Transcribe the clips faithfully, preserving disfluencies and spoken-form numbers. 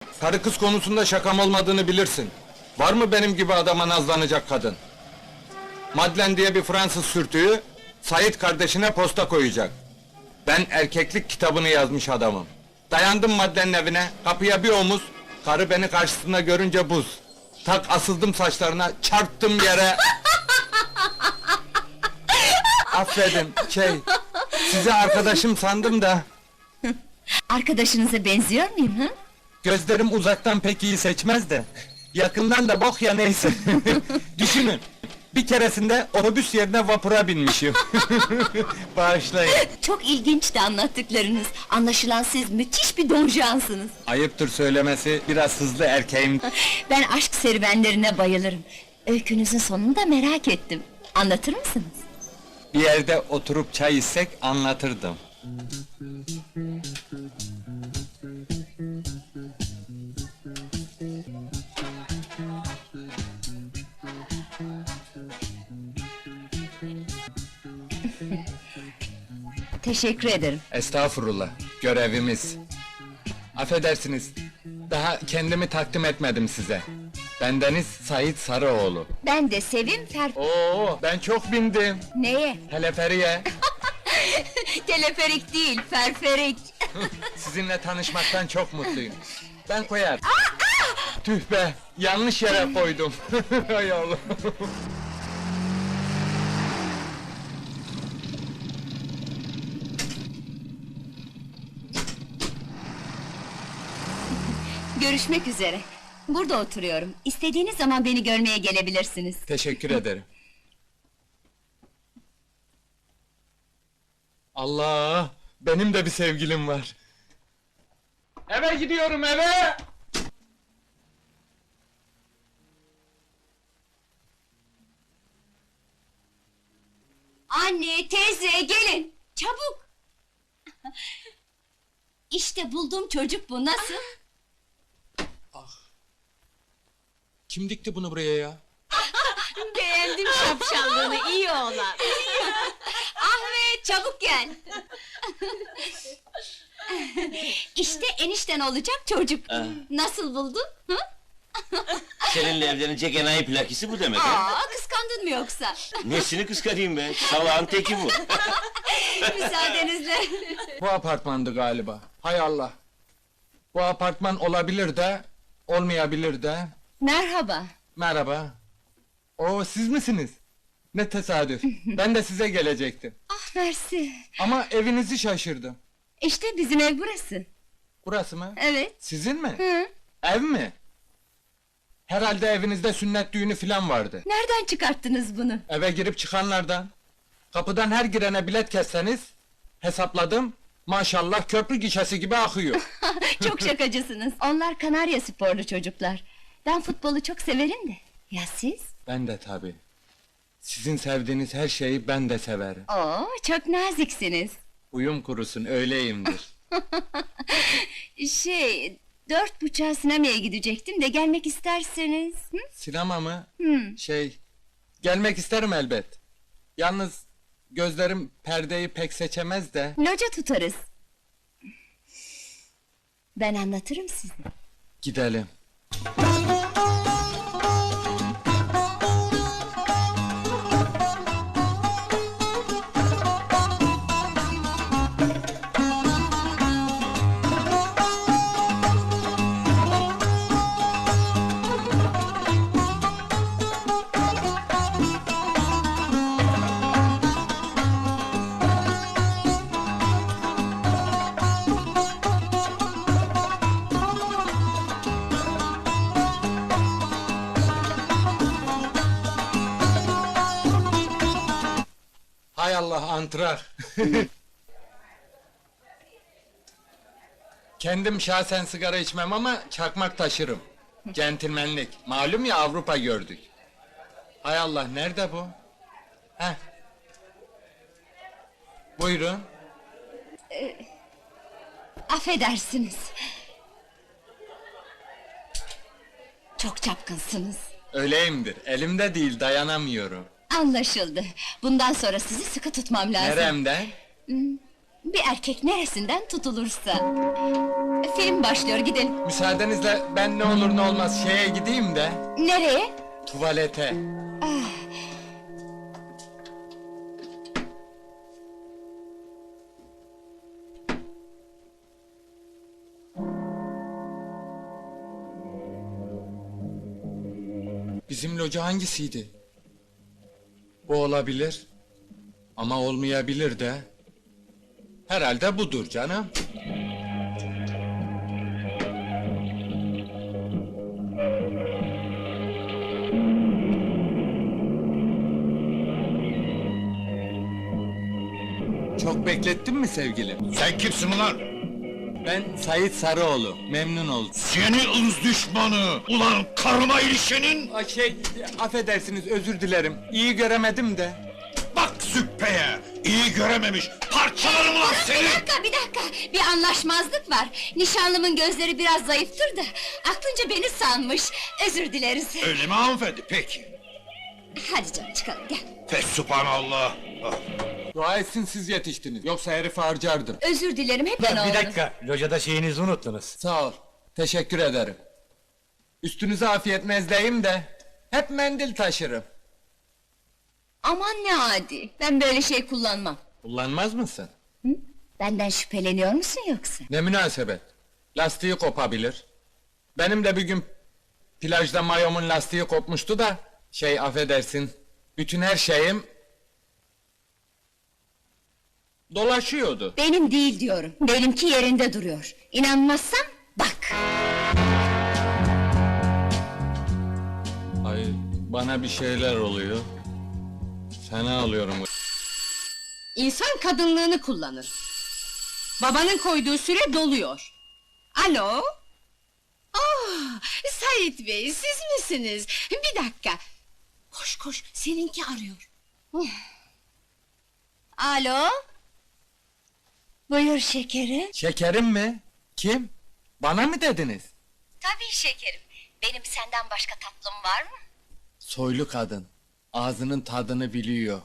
Karı kız konusunda şakam olmadığını bilirsin. Var mı benim gibi adama nazlanacak kadın? Madlen diye bir Fransız sürtüğü, Sait kardeşine posta koyacak. Ben erkeklik kitabını yazmış adamım. Dayandım Madlen'in evine, kapıya bir omuz, karı beni karşısında görünce buz. Tak asıldım saçlarına, çarptım yere. Affedin, şey, sizi arkadaşım sandım da... Arkadaşınıza benziyor muyum, hı? Gözlerim uzaktan pek iyi seçmez de... Yakından da bok ya neyse. Düşünün, bir keresinde otobüs yerine vapura binmişim. Bağışlayın. Çok ilginçti anlattıklarınız. Anlaşılan siz müthiş bir donjansınız. Ayıptır söylemesi, biraz hızlı erkeğim. Ben aşk serüvenlerine bayılırım. Öykünüzün sonunu da merak ettim. Anlatır mısınız? Bir yerde oturup çay içsek anlatırdım. Teşekkür ederim. Estağfurullah, görevimiz. Affedersiniz, daha kendimi takdim etmedim size. Bendeniz Sait Sarıoğlu. Ben de Sevim Fer... Oo, ben çok bindim. Neye? Teleferiye. Teleferik değil, ferferik. Sizinle tanışmaktan çok mutluyum. Ben koyar. Tüh be, yanlış yere koydum. Hay Allah. Görüşmek üzere. Burada oturuyorum. İstediğiniz zaman beni görmeye gelebilirsiniz. Teşekkür ederim. Allah! Benim de bir sevgilim var. Eve gidiyorum, eve! Anne, teyze, gelin! Çabuk! İşte bulduğum çocuk bu, nasıl? Kim dikti bunu buraya ya? Beğendim şapşallığını, iyi oğlan! Ahmet, çabuk gel! İşte enişten olacak çocuk! Nasıl buldun? Hı? Seninle evlenecek enayi plakisi bu demek ha? Aa, kıskandın mı yoksa? Nesini kıskanayım be? Salağın teki bu. Müsaadenizle! Bu apartmandı galiba. Hay Allah! Bu apartman olabilir de, olmayabilir de. Merhaba! Merhaba. Oo, siz misiniz? Ne tesadüf. Ben de size gelecektim. Ah, mersi! Ama evinizi şaşırdım. İşte bizim ev burası. Burası mı? Evet. Sizin mi? Hı? Ev mi? Herhalde evinizde sünnet düğünü filan vardı. Nereden çıkarttınız bunu? Eve girip çıkanlardan. Kapıdan her girene bilet kesseniz... Hesapladım, maşallah köprü gişesi gibi akıyor. Çok şakacısınız. Onlar Kanarya sporlu çocuklar. Ben futbolu çok severim de. Ya siz? Ben de tabii. Sizin sevdiğiniz her şeyi ben de severim. Oo, çok naziksiniz. Uyum kurusun, öyleyimdir. Şey, dört buçuğa sinemaya gidecektim de gelmek isterseniz. Hı? Sinema mı? Hı. Şey, gelmek isterim elbet. Yalnız gözlerim perdeyi pek seçemez de. Loca tutarız. Ben anlatırım size. Gidelim. Hay Allah, antrar! Kendim şahsen sigara içmem ama çakmak taşırım. Centilmenlik, malum ya, Avrupa gördük. Hay Allah, nerede bu? Heh. Buyurun. Affedersiniz. Çok çapkınsınız. Öyleyimdir, elimde değil, dayanamıyorum. Anlaşıldı. Bundan sonra sizi sıkı tutmam lazım. Neremden? Bir erkek neresinden tutulursa. Film başlıyor, gidelim. Müsaadenizle ben ne olur ne olmaz şeye gideyim de... Nereye? Tuvalete. Bizim loca hangisiydi? Bu olabilir. Ama olmayabilir de. Herhalde budur canım. Çok beklettin mi sevgilim? Sen kimsin ulan? Ben Sait Sarıoğlu, memnun oldum. Seni ırz düşmanı! Ulan karıma ilişenin! Ay şey, affedersiniz, özür dilerim. İyi göremedim de. Bak züppeye! İyi görememiş! Parçalarım ulan Bir seni! dakika, bir dakika! Bir anlaşmazlık var. Nişanlımın gözleri biraz zayıftır da... ...aklınca beni sanmış. Özür dileriz. Öyle mi hanımefendi? Peki. Hadi canım, çıkalım, gel. Fesubhanallah! Ah. Dua etsin siz yetiştiniz, yoksa herifi harcardım. Özür dilerim, hep ben Bir oğlum. dakika, locada şeyinizi unuttunuz. Sağ ol, teşekkür ederim. Üstünüze afiyet mezdeyim de... ...hep mendil taşırım. Aman ne adi, ben böyle şey kullanmam. Kullanmaz mısın? Hı? Benden şüpheleniyor musun yoksa? Ne münasebet. Lastiği kopabilir. Benim de bir gün... ...plajda mayomun lastiği kopmuştu da... ...şey affedersin... ...bütün her şeyim... ...dolaşıyordu. Benim değil diyorum, benimki yerinde duruyor. İnanmazsan bak! Ay, bana bir şeyler oluyor. Fena alıyorum. İnsan kadınlığını kullanır. Babanın koyduğu süre doluyor. Alo? Ah, Sait Bey, siz misiniz? Bir dakika. Koş koş, seninki arıyor. Alo? Buyur şekerim. Şekerim mi? Kim? Bana mı dediniz? Tabii şekerim. Benim senden başka tatlım var mı? Soylu kadın. Ağzının tadını biliyor.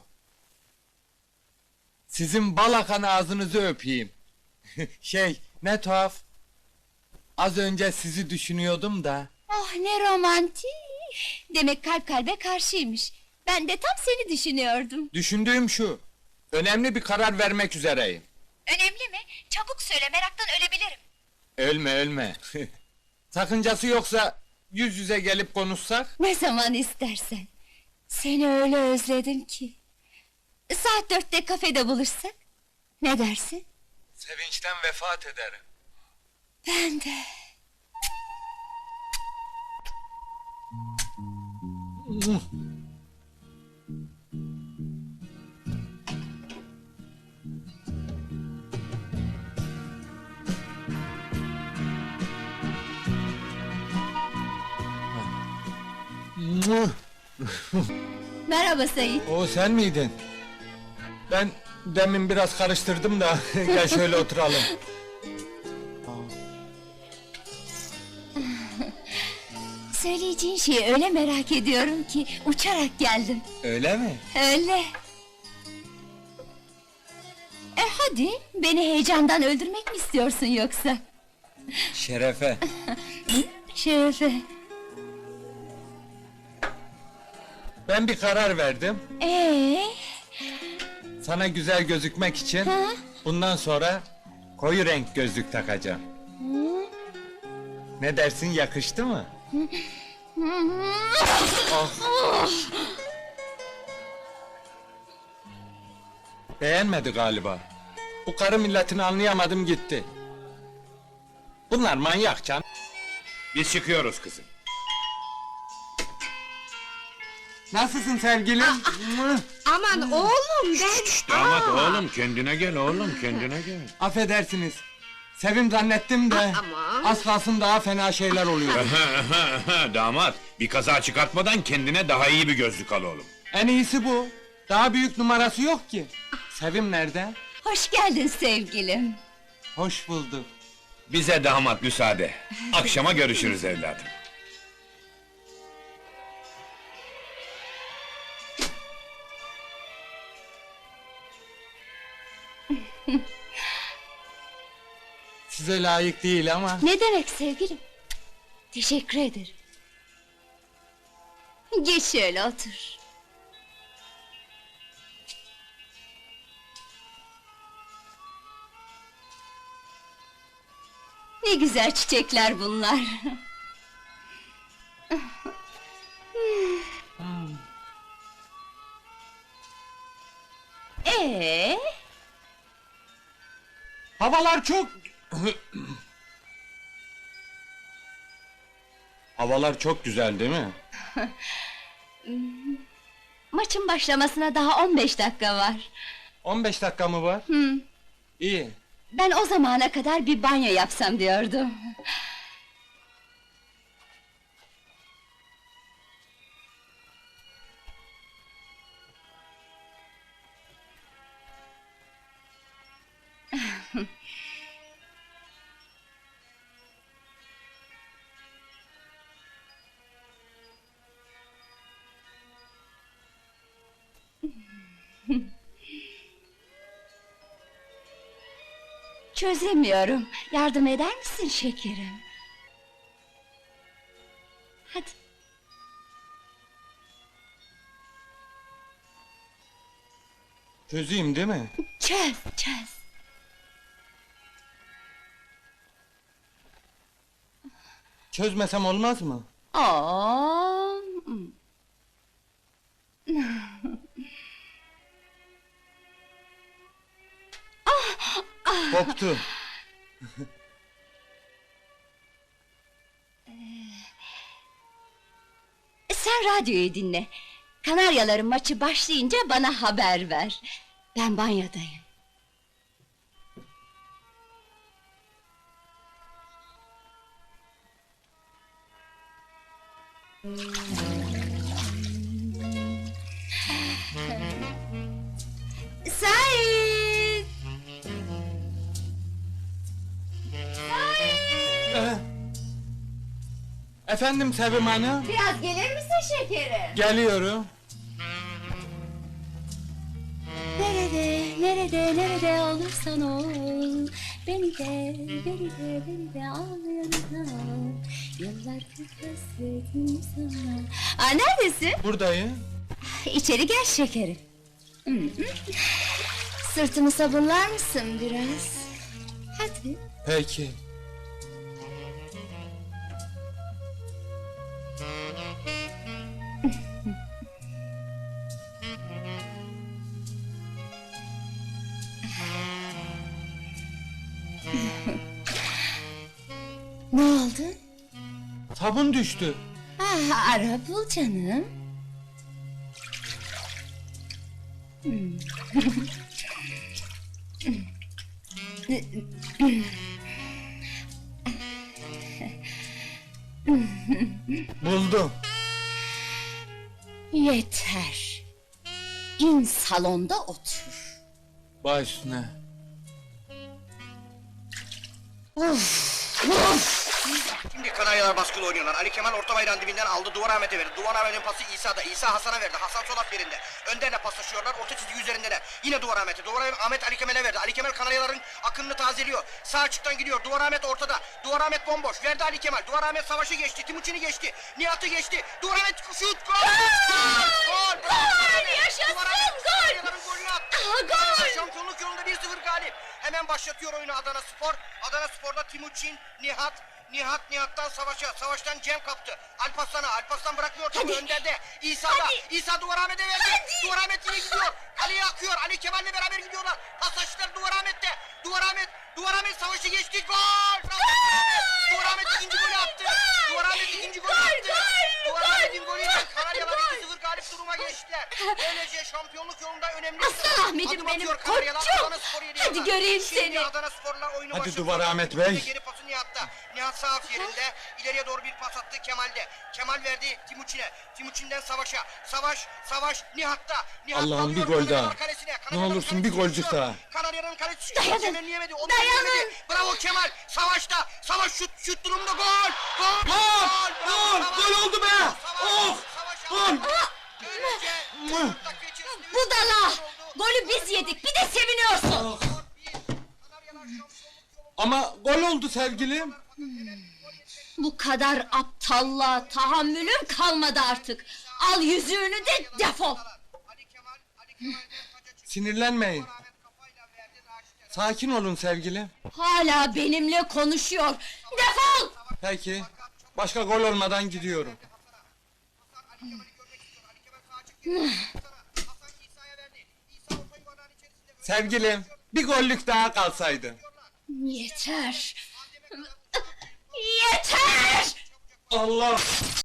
Sizin bal akan ağzınızı öpeyim. Şey, ne tuhaf. Az önce sizi düşünüyordum da. Oh ne romantik! Demek kalp kalbe karşıymış. Ben de tam seni düşünüyordum. Düşündüğüm şu. Önemli bir karar vermek üzereyim. Önemli mi? Çabuk söyle, meraktan ölebilirim. Ölme ölme. Sakıncası yoksa yüz yüze gelip konuşsak? Ne zaman istersen. Seni öyle özledim ki. Saat dörtte kafede buluşsak? Ne dersin? Sevinçten vefat ederim. Ben de. Merhaba Sayın. O sen miydin? Ben demin biraz karıştırdım da gel şöyle oturalım. Söyleyeceğin şeyi öyle merak ediyorum ki uçarak geldim. Öyle mi? Öyle. E hadi, beni heyecandan öldürmek mi istiyorsun yoksa? Şerefe. Şerefe. Ben bir karar verdim. Ee, Sana güzel gözükmek için Ha? bundan sonra koyu renk gözlük takacağım. Ne dersin, yakıştı mı? Ah. Beğenmedi galiba. Bu karı milletini anlayamadım gitti. Bunlar manyak can. Biz çıkıyoruz kızım. Nasılsın sevgilim? Mıh! Aman oğlum ben... Damat oğlum kendine gel oğlum kendine gel. Affedersiniz. Sevim zannettim de Aman. az kalsın daha fena şeyler oluyor. Damat bir kaza çıkartmadan kendine daha iyi bir gözlük al oğlum. En iyisi bu. Daha büyük numarası yok ki. Sevim nerede? hoş geldin sevgilim. Hoş bulduk. Bize damat müsaade. Akşama görüşürüz evladım. size layık değil ama... Ne demek sevgilim? Teşekkür ederim. Geç şöyle otur. Ne güzel çiçekler bunlar. Ee, Havalar çok... Havalar çok güzel değil mi? maçın başlamasına daha on beş dakika var. on beş dakika mı var? Hı. İyi. Ben o zamana kadar bir banyo yapsam diyordum. Çözemiyorum. Yardım eder misin şekerim? Hadi. Çözeyim değil mi? Çöz, çöz. Çözmesem olmaz mı? Oo. Koptu. Sen radyoyu dinle. Kanaryaların maçı başlayınca bana haber ver. Ben banyodayım. Sait! Ee, Efendim Sevim Hanım? Biraz gelir misin şekerim? Geliyorum. Nerede, nerede, nerede olursan ol, beni de, beni de, beni de al yanına. Yıllardır hasretim sana. Aa, neredesin? Buradayım. İçeri gel şekerim. Hı hı. Sırtımı sabunlar mısın biraz? Hadi. Peki. Ne oldu? Sabun düştü. Ah, ara bul canım. Hmm. Buldum. Yeter. İn salonda otur. Baş üstüne. Şimdi Kanaryalar baskılı oynuyorlar. Ali Kemal orta bayrağın dibinden aldı. Duvar Ahmet'e verdi. Duvar Ahmet'in pası İsa'da. İsa Hasan'a verdi. Hasan sol at yerinde. Önderle paslaşıyorlar. Orta çizgi üzerindeler. Yine Duvar Ahmet'e. Duvar Ahmet Ali Kemal'e verdi. Ali Kemal Kanaryaların akınını tazeliyor. Sağ açıktan gidiyor. Duvar Ahmet ortada. Duvar Ahmet bomboş. Verdi Ali Kemal. Duvar Ahmet savaşı geçti. Timuçin'i geçti. Nihat'ı geçti. Duvar Ahmet şut. Gol! Gol! Gol! Gol! Yaşasın! Duvar Ahmet Gol! Kanaryaların golünü attı. Aha, gol! Şampiyonluk yolunda bir sıfır galip. Hemen başlatıyor oyunu Adana Spor. Adana Spor'da Timuçin, Nihat, Nihat Nihat'tan Savaş'a, Savaş'tan Cem kaptı. Alparslan'a, Alparslan bırakmıyor topu önderde. İsa'da, Hadi. İsa Duvar Ahmet'e verdi. Hadi. Duvar Ahmet yine gidiyor. Ali'ye akıyor. Ali Kemal'le beraber gidiyorlar. Pasajlar Duvar Ahmet'te. Duvar Ahmet, Duvar Ahmet Savaş'ı geçti. Gol! Duvar Ahmet ikinci golü attı. Duvar Ahmet ikinci golü attı. Duvar Ahmet'in golüyle Kanaryalar iki sıfır galip duruma geçtiler. Böylece şampiyonluk yolunda önemli bir Aslan adım Ahmet'im benim atıyor Kanaryalar. koçum. Adana Spor'u yedi Hadi yana. göreyim Şimdi seni. Adana Spor'la oyunu Hadi başlatıyor. Duvar Ahmet Bey. Geri pası Nihat'ta. Nihat sağ af yerinde. İleriye doğru bir pas attı Kemal'de. Kemal verdi Timuçin'e. Timuçin'den Savaş'a. Savaş, Savaş Nihat'ta. Nihat Allah'ım, alıyor bir gol Kanaryalar daha. kalesine. Ne Kanaryaların olursun bir kalesi golcük düşüyor. daha. Kanaryaların kalesi Dayanın. çemberleyemedi. Onu Dayanın. çemberleyemedi. Bravo Kemal. Savaş'ta. Savaş şut şut durumda gol. Gol. Gol! Bravo Gol! Savaş. Gol oldu be! Savaş. Oh! Savaş Gol! aldı. Böylece dört dakika içerisinde üç Budala! gol oldu. Golü biz yedik, bir de seviniyorsun! Skor bir. Kanaryalar şampiyonluk yolunda Ama gol oldu sevgilim. Bu kadar aptallığa tahammülüm kalmadı artık. Al yüzüğünü de defol. Ali Kemal, Ali Kemal'den taca çıktı. Sinirlenmeyin. Ahmet kafayla verdi, Raşit'e. Sakin olun sevgilim. Hala benimle konuşuyor. Defol! Peki. Başka gol olmadan gidiyorum. Hasan Ali Kemal'i görmek istiyor. Ali Kemal sağa çıktı. Hasan'a. Hasan İsa'ya verdi. İsa orta yuvarlağın içerisinde. Sevgilim, bir gollük daha kalsaydı. Yeter! Yeter! Allah!